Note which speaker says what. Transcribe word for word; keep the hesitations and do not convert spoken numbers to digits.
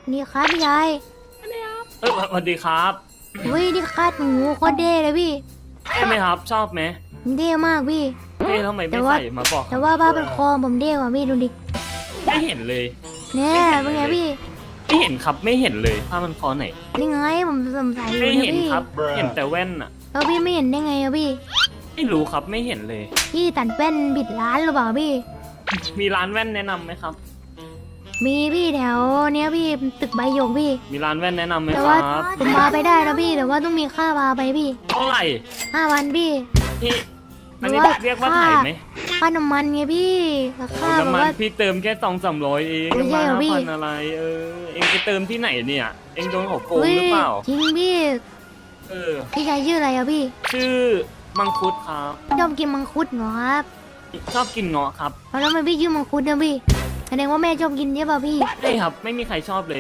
Speaker 1: นี่ครับพี่ชาย
Speaker 2: เออสวัสดีครับ
Speaker 1: เว้ยนี่คาดหมูโคตรเด้เลยพี่
Speaker 2: ใช่ไหมครับ ชอบไหม
Speaker 1: เด้มากพี่
Speaker 2: เอ๊ะทำไม
Speaker 1: แต่
Speaker 2: ไม่
Speaker 1: ว่า
Speaker 2: ใส่มาบอก
Speaker 1: แต่ว่าบ้าเป็นคอผมเด้กว่าพี่ดูดิ
Speaker 2: ไม่เห็นเลย
Speaker 1: เนี่ยเป็นไงพี่
Speaker 2: ไม่เห็นครับไม่เห็นเลยผ้ามันคอไหน
Speaker 1: นี่ไงผมสงสัยอยู่
Speaker 2: ไม่
Speaker 1: นะ
Speaker 2: เห็น
Speaker 1: พี่
Speaker 2: ครับ เห็นแต่แว่นอะ
Speaker 1: แล้วพี่ไม่เห็นได้ไงอะพี่
Speaker 2: ไม่รู้ครับไม่เห็นเลย
Speaker 1: พี่ตัดแว่นบิดร้านหรือเปล่าพี่
Speaker 2: มีร้านแว่นแนะนำไหมครับ
Speaker 1: มีพี่แถวเนี้ยพี่ตึกใบหยกพี่
Speaker 2: มีร้านแว่นแนะนำไหม
Speaker 1: แต่
Speaker 2: ค
Speaker 1: ว่า
Speaker 2: รับ
Speaker 1: ผมมาไปได้นะพี่ แต่ว่าต้องมีค่าพาไปพี่
Speaker 2: เท่าไหร่
Speaker 1: ห้าวันพี่
Speaker 2: พี่อันนี้
Speaker 1: หรือว่า
Speaker 2: เรียกว่าถ่ายไหม
Speaker 1: ค่าน้ำมันไงพี่รา
Speaker 2: โอ้
Speaker 1: คาแบบ
Speaker 2: น้ำมัน
Speaker 1: ว่า
Speaker 2: พี่เติมแค่สองสามร้อยเอง
Speaker 1: ไม่ใช่เหรอ
Speaker 2: มา
Speaker 1: พี่
Speaker 2: พันอะไร เออ เองไปเติมที่ไหนเนี่ย เองโดนเขาโกง
Speaker 1: เฮ้ย
Speaker 2: หรือเปล่า
Speaker 1: จริงพี่
Speaker 2: เออ
Speaker 1: พี่ชายชื่ออะไรอะพี่
Speaker 2: ชื่อมังคุดครับ
Speaker 1: ชอบกินมังคุดเหรอครับ
Speaker 2: ชอบกินเงาะครับ
Speaker 1: แล้วทำไมพี่ชื่อมังคุดนะพี่แสดงว่าแม่ชอบกินใช่ป่ะพี่
Speaker 2: ใช่ครับ ไม่มีใครชอบเลย